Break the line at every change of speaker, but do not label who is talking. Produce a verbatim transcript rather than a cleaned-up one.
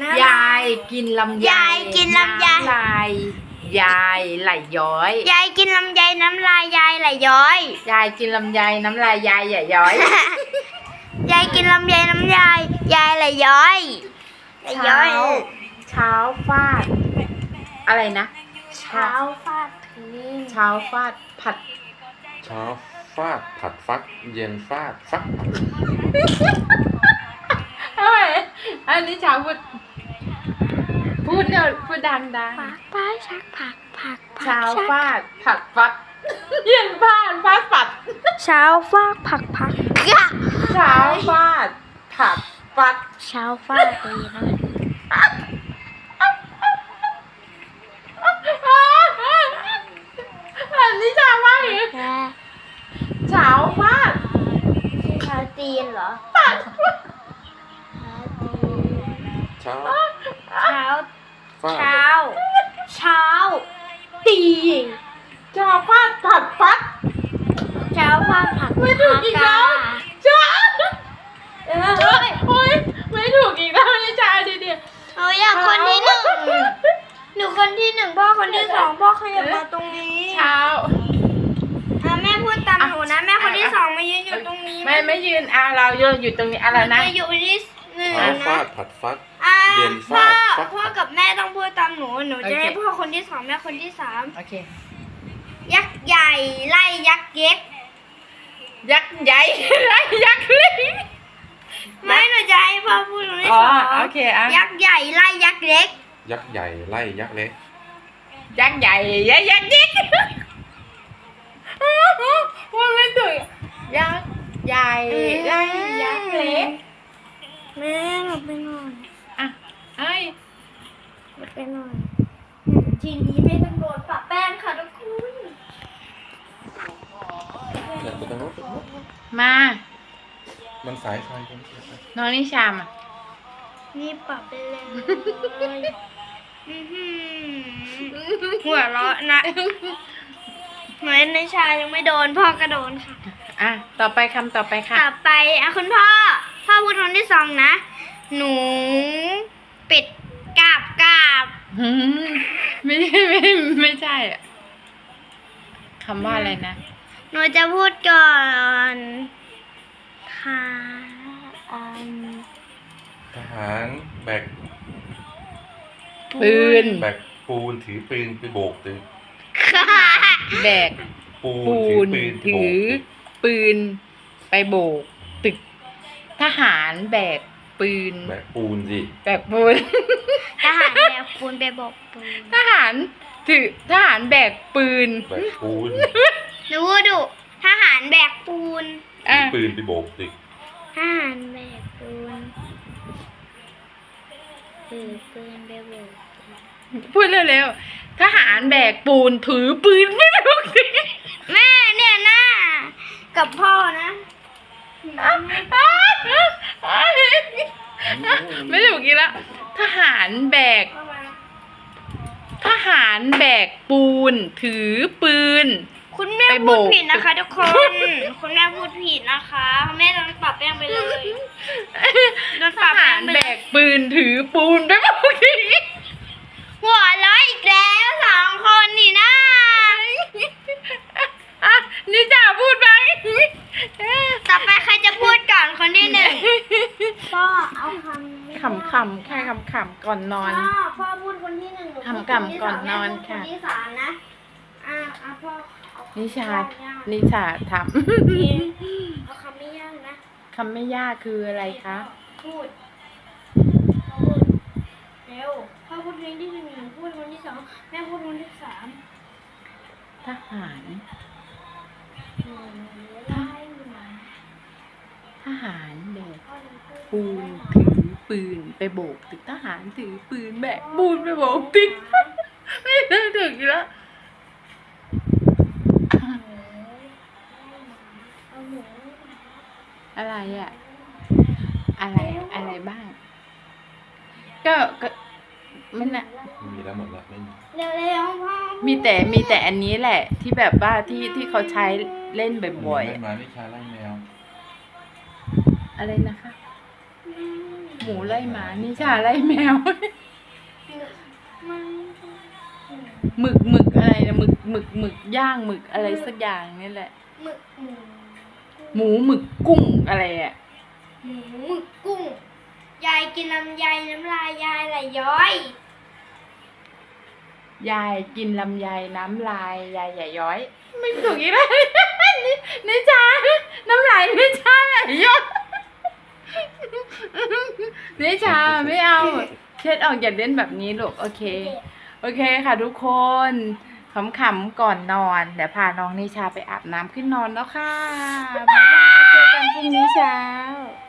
ยายกินลำไย
ยายกินลำไย
น้ำลายยายไหลย้อย
ยายกินลำไยน้ำลายยายไหลย้อย
ยายกินลำไยน้ำลายยายอย่าย้อย
ยายกินลำไยน้ำลายยายไหลย้อยไหลย้
เช้า
อย
เช้าฟาด อะไรนะ
เช้าฟาดพื้น
เช้าฟาดผัด
เช้าฟาดผัดฟักเย็นฟาดฟักผัด
เอ้ยอันนี้เช้าพูดพูดเดี๋ยวพูดดังดัง
ผักป้าชักผักผักผัก
เช้า
ชัก
ฟาดผัดฟัด เย็นฟาดฟาดปัด
เช้าฟาดผักผักยะ
เช้าฟาดผัดฟัด
เช้าฟาดดีนะ
อันนี้เช้าว่าอย่างนี้
แก
เช้าฟาด
เช้าตีนเหรอ
ปัด
เช้า
เช้า
ฟาด
เช้า เช้า ตี
เช้าฟาดผัดฟัด
เช้าฟาดผัก
ไม่ถูกอีกแล้ว เช้า
เอ้ย
โอ๊ยไม่ถูกอีกแล้วนี่เช้าดีดี
หนูอยากคนที่หนึ่งหนูคนที่หนึ่งพ่อคนที่สองพ่อขยับมาตรงนี้
เช้า
อ่ะแม่พูดตามหนูนะแม่คนที่สองมายืนอยู่ตรงนี้
ไม่ไม่ยืนอ่ะเรายืนอยู่ตรงนี้อะไรนะ
มาอยู่ที่หนึ่ง
เช้า
นะ
ฟาดผัดฟัก
อ่ะ
เย็น
พ่อ
ฟาดฟัก
พ่อกับแม่ต้องพูดตามหนูหนูจะให้พ่อคนที่สองแม่คนที่สาม
โอเค
ยักษ์ใหญ่ไล่ยักษ์เล็ก
ยักษ์ใหญ่ ไรยักษ์เล็ก
ไม่หนูจะให้พ่อพูดคนที่
อ๋อ
สอง
โอเคอ่ะ
ยักษ์ใหญ่ไล่ยักษ์เล็ก
ยักษ์ใหญ่ไล่ยักษ์เล็ก
ยักษ์ใหญ่ยักษ์ยักษ์เล็กว่าไม่ถูกยักษ์ใหญ่ไรยักษ์เล็ก
แม่หนูไปหน่อย
อ่ะเอ้ย
หนูไปหน่อยทีนี้ไม่ต้องโดนปะแป้งค่ะทุกคน
เดี๋ยวไปตรงโน้นตรงโน้น
มา
มันสายไฟกัน
น้องนิชามอ่ะ
นี่ปรับไปเลยอื้อหือหัวเราะนะเหมือนในชายังไม่โดนพ่อก็โดนค่ะ
อ่ะต่อไปคำต่อไปค่ะ
ต่อไปอ่ะคุณพ่อ พ่อพูดคนที่สองนะ หนูเป็ดกาบกาบ
หืมไม่ใช่ไม่ไม่ใช่อะคำว่าอะไรนะ
หนูจะพูดก่อนค่ะอัน
ทหารแบก
ปืน
แบกปูนถือปืนไปโบกตึก
ค่ะ
แบก
ปู
ปู
นถือน ปืนไป
ถื
โบ
อก
ตึก
ปืนไปโบก ตึก ทหารแบกปืน
แบกปูนสิ
แบกปูน
ทหารแบกปูนไปบอกปูน
ทหารถือทหารแบกปืน
แบกปูน
หนูพูดดูทหารแบกปูน
ถื
อ่ะ
อปืนไปโบกตึก
ทหารแบกปูนถือปืนไปโบก
พูดเร็วๆทหารแบกปูนถือปืนไม่ถูกสิ
แม่เนี่ยนะกับพ่อนะ
ไม่ถูกอีกแล้วทหารแบก ทหารแบกปูน ถือปืน
คุณแม่
ไปโบ
พูด
ก
ผิดนะคะทุกคน คุณแม่พูดผิดนะคะแม่โดนปรับแป้งไปเลยโดน
ท
ปรับ
หา
แป้ง
ร
ไป
แบ
เลย
กปืนถือปูนไปโบกที
หัวเร้อยอีกแล้วสองคนนี่นะ
อ่ะนี่จ่าพูดไป
ต่อไปใครจะพูดก่อนคนที่หนึ่งพ่อเอาคำ
ขำขำๆแค่ขำขำๆก่อนนอน
พ่อพ่อพูดคนที่หนึ่งหนูพูด
ขำๆก่อนนอน
แม่พูด
ค่ะ
คนที่สามนะอ่ะอ่ะพ่อเอาคำ
นิชา
ยากๆ
นิชาท
เอาคำไม่ยากนะ
ำ คำไม่ยากคืออะไรคะ
พูดพ่อพูดเร็วพ่อพูดคนที่หนึ่งหนูพูดคนที่สองแม่พูดคนที่สาม
ทหาร
หนูไล่หมา
ทหารแบก
พ่อหนูพูด
ปูนถือปืนไปโบกตึกทหารถือปืนแบกปูนไปโบกตึก ไม่ได้ถึงอีกแล้ว
เอาหนู
อะไรอะอะไรอะไรบ้าง ก็ก็มันอะ
มีแล้วหมดแล้วไม่มี
เร็วๆพ่อ
มีแต่มีแต่อันนี้แหละ ที่แบบว่าที่ที่เขาใช้เล่นบ่อยๆ
เล่
อะ
นมานิชาไล่แมว
อะไรนะคะ
อืม
หมูไล่หมานิชาไล่แมว
มัน
หมึกหมึกอะไรนะหมึกหมึกหมึกย่างหมึกอะไรสักอย่างนี่แหละ
หมึกหมู
หมูหมึกกุ้งอะไรอ่ะ
หมูหมึกกุ้ง ยายกินลำไยน้ำลายยายไหลย้อย
ยายกินลำไยน้ำลายยายใหญ่าย้อย ไม่ถูกอีกแล้ว นินิชาน้ำลายนิชาไหลย้อยนิชาไม่เอาเช็ดออกอย่าเล่นแบบนี้ลูกโอเค โอเคค่ะทุกคนขำๆก่อนนอน เดี๋ยวพาน้องนิชาไปอาบน้ำขึ้นนอนแล้วค่ะ บ๊ายบายเจอกันพรุ่งนี้เช้า